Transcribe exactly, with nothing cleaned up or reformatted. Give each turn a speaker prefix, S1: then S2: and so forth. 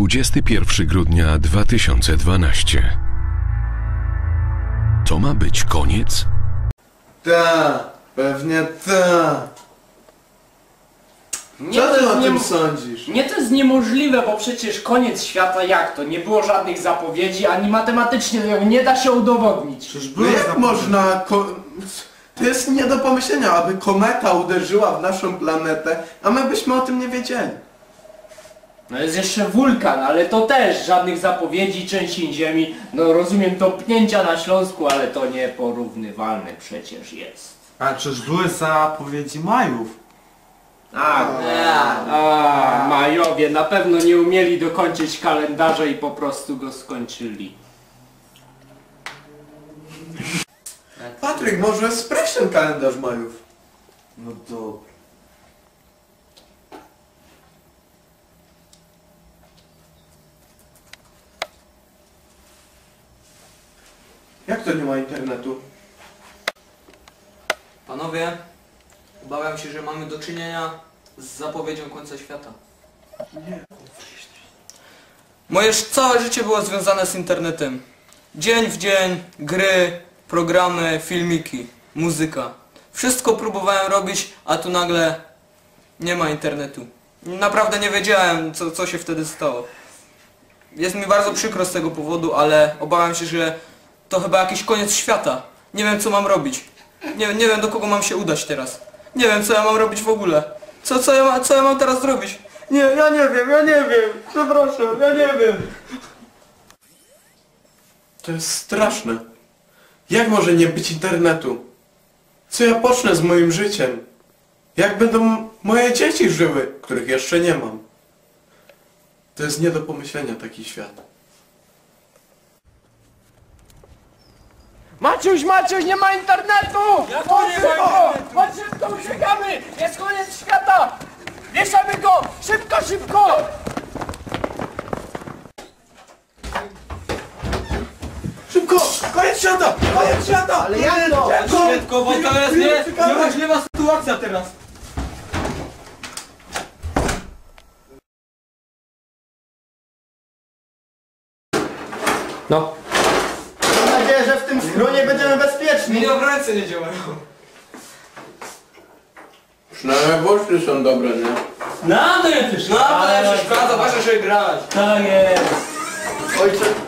S1: dwudziestego pierwszego grudnia dwa tysiące dwunastego. To ma być koniec?
S2: Ta, pewnie ta.
S3: Nie,
S2: Co
S3: to
S2: ty
S3: jest
S2: o
S3: nie-
S2: tym sądzisz?
S3: Nie, to jest niemożliwe, bo przecież koniec świata jak to? Nie było żadnych zapowiedzi, ani matematycznie nie da się udowodnić.
S2: No jak można... Ko... To jest nie do pomyślenia, aby kometa uderzyła w naszą planetę, a my byśmy o tym nie wiedzieli.
S3: No jest jeszcze wulkan, ale to też żadnych zapowiedzi, trzęsień ziemi. No rozumiem topnięcia na Śląsku, ale to nieporównywalne przecież jest.
S4: A czyż były zapowiedzi Majów?
S3: A, a, Majowie na pewno nie umieli dokończyć kalendarza i po prostu go skończyli.
S2: Patryk, może sprawdź ten kalendarz Majów.
S4: No dobra.
S2: Jak to nie ma internetu?
S5: Panowie, obawiam się, że mamy do czynienia z zapowiedzią końca świata.
S2: Nie.
S5: Moje całe życie było związane z internetem. Dzień w dzień, gry, programy, filmiki, muzyka. Wszystko próbowałem robić, a tu nagle nie ma internetu. Naprawdę nie wiedziałem, co, co się wtedy stało. Jest mi bardzo przykro z tego powodu, ale obawiam się, że to chyba jakiś koniec świata. Nie wiem, co mam robić. Nie, nie wiem, do kogo mam się udać teraz. Nie wiem, co ja mam robić w ogóle. Co, co, ja, ma, co ja mam teraz zrobić? Nie, ja nie wiem, ja nie wiem. Przepraszam, ja nie wiem.
S2: To jest straszne. Jak może nie być internetu? Co ja pocznę z moim życiem? Jak będą moje dzieci żyły, których jeszcze nie mam? To jest nie do pomyślenia taki świat.
S3: Maciuś, Maciuś, nie ma internetu!
S5: Jak to nie ma internetu?
S3: Chodź szybko, uciekamy! Jest koniec świata! Wieszamy go! Szybko, szybko!
S2: Szybko! Koniec świata! Koniec świata! Ale jak to?
S5: Szybko, bo to jest nie, niemożliwa sytuacja teraz.
S3: No.
S6: Mam nadzieję, że w tym schronie będziemy bezpieczni.
S5: Mi w ręce nie działają.
S2: Przynajmniej włosy są dobre, nie?
S3: No, to ja też.
S5: No, ale przeszkadza, ważne, żeby grać.
S3: Tak jest.
S6: Ojcze,